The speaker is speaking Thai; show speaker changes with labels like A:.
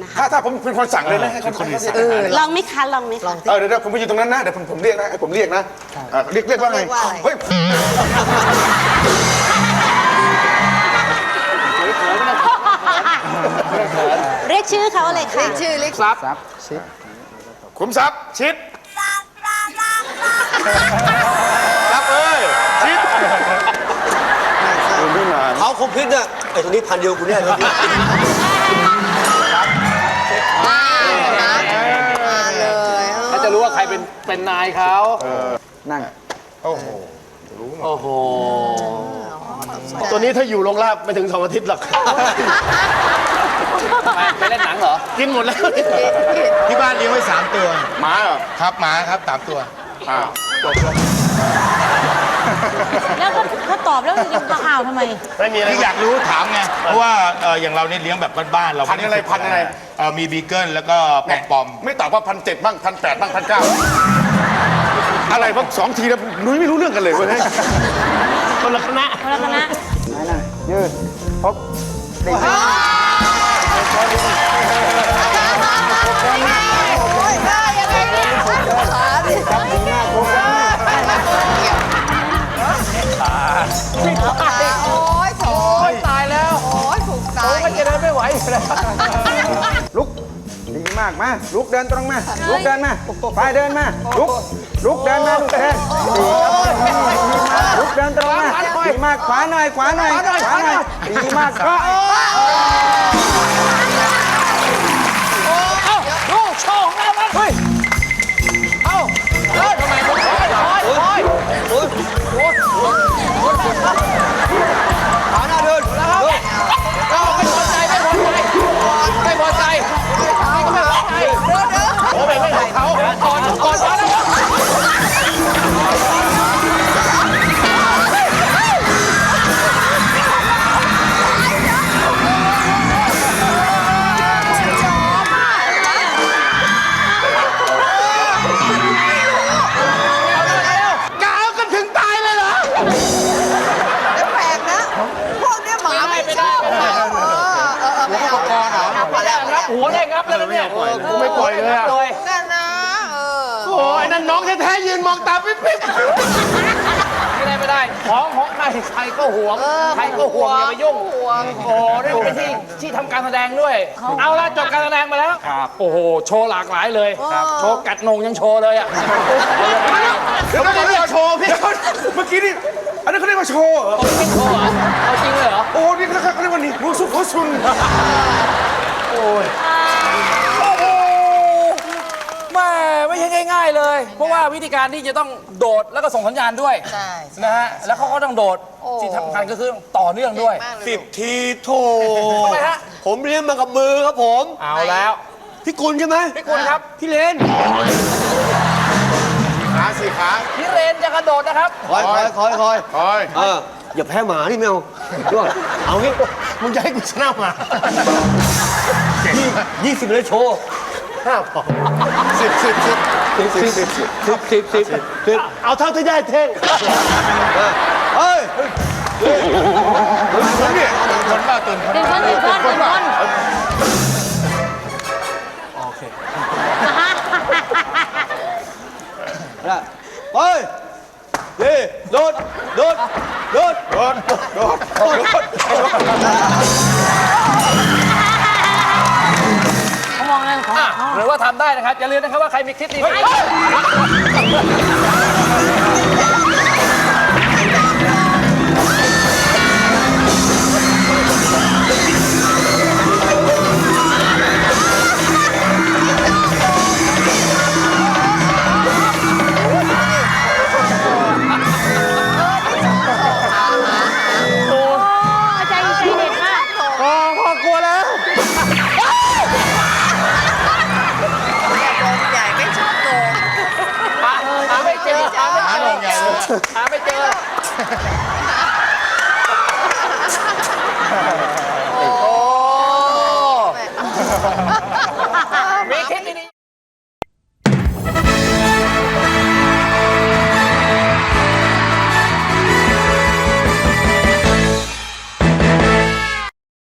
A: นะคะ
B: ถ้าผมเป็นคนสั่งเลยนะให้คนอื่นสั่ง
C: ลองไหมคะลองไหมคะ
B: เดี๋ยวผมไปอยู่ตรงนั้นนะเดี๋ยวผมเรียกนะให้ผมเรียกนะเรียกว่าไงเฮ้ย
C: เรียกชื่อเขาเลยค่ะ
D: ชื่อเล็ก
A: ซับ
B: ขุมทรัพย์ชิดรับเอ้ยชิดไม่นาน
E: เขาคงคิดเนี่ยไอ้ตัวนี้พันเดียวกูเนี่ย
D: มาเลย
A: ถ้าจะรู้ว่าใครเป็นนายเขานั่ง
B: โอ้โห
A: โอ้โหตัวนี้ถ้าอยู่โรงลาบไม่ถึง2 อาทิตย์หรอกไปเล่นหนังเหรอกินหมดแล้ว
E: ที่บ้านเลี้ยงไว้3 ตัว
B: หมาเหรอ
E: ครับหมาครับ3 ตัว
B: จบแล้ว
C: แล้วก็เขาตอบแล้วยังจะข่าวทำไม
A: ไม่มีอะไร
E: ที่อยากรู้ถามไงเพราะว่าอย่างเราเนี่ยเลี้ยงแบบบ้านๆเรา
B: พันอะไร
E: มีบีเกิลแล้วก็ปอม
B: ไม่ตอบว่า1,700บ้าง1,800บ้าง1,900อะไรบ้าง2 ทีแล้วนุ้ยไม่รู้เรื่องกันเลยเว้ย
A: คนละคณะ
C: คนละคณะ
B: ยืดพบ
D: โอ้ยได้ยังไงเนี่ยขาดิโอ้ยโถ
A: ตายแล้ว
D: โอ้ยถูกตาย
A: ก็จะเดินไม่ไหวแล้ว
F: ลุกดีมากมาลุกเดินตรงมาลุกเดินมาไปเดินมาลุกเดินมาลุกเดินลุกเดินตรงมาดีมากขวาหน่อยขวาหน่อยขวาหน่อยดีมากก็
A: ลูกโชว์ของเราบ้างเฮ้ยเอ้าทำไมโอ้ย
E: ขาหน้าเดิน
A: เราไม่พอใจไม่พอใจโอ้ไม่ให้เขาก่อนแล้วกาวกันถึงตายเลยเหรอ
D: แปลกนะ พวกเนี้ยหมาไม่ชอบไม่เอาพอแล้ว
A: งับหัวได้งับแล้วเนี่ยกูไม่ปล่อยเลยอะ
D: นั่นนะ
A: โอ้ยนั่นน้องแท้ๆยืนมองตาปิ๊บไม่ได้ของใครก็ห่วงใครก็ห่วงอย่าไปยุ่งโอ้นี่เป็นที่ทำการแสดงด้วยเอาละจบการแสดงมาแล้วโอ้โหโชว์หลากหลายเลยโชว์กัดนงยังโชว์เลยอ่ะ
B: เดี๋ยวเรียกโชว์พี่เมื่อกี้นี่อันนี้เขาเรียกว่าโชว์เหรอ
A: โชว์เหรอเอาจริงเลยเหรอ
B: โอ้นี่เขาเรียกว่านี่มูสุโคซุน
A: โอ้โหแม่ไม่ใช่ง่ายๆเลย เพราะว่าวิธีการที่จะต้องโดดแล้วก็ส่งสัญญาณด้วย
D: ใช่
A: นะฮะแล้วเขาก็ต้องโดดที่สำคัญก็คือต่อเนื่องด้วย
E: 10 ทีโถ
A: ทำไมฮะ
E: ผมเลี้ยงมากับมือครับผม
A: เอาแล้ว
E: พี่กุลใช่ไหม
A: พี่กุลครับ
E: พี่เลน
B: ขาสี่ขา
A: พี่เรนจะกระโดดนะครับ
E: คอย อย่าแพ้หมานี่ไม่เอาด้วยเอางี้
A: มึงจะให้กูชนะมา
E: 20เลยโชว์ 10
A: เอาเท่าที่ได้เท่ง
E: เฮ้ย
B: คนบ้าตื่น
C: เป็นคนเป็นคนเป็นคน
E: เฮ้ยนี่โดด
C: เขามองเรื่องของเขา
A: หรือว่าทำได้นะครับ อย่าลืมนะครับว่าใครมีคลิปดี
C: โอ้ใจเด็ดมาก
A: พอกลัวแล้ว
D: ใหญ่ไม่ชอบโกง
A: หาไม่เจอ
E: หาลงใหญ่เลย
A: หาไม่เจอ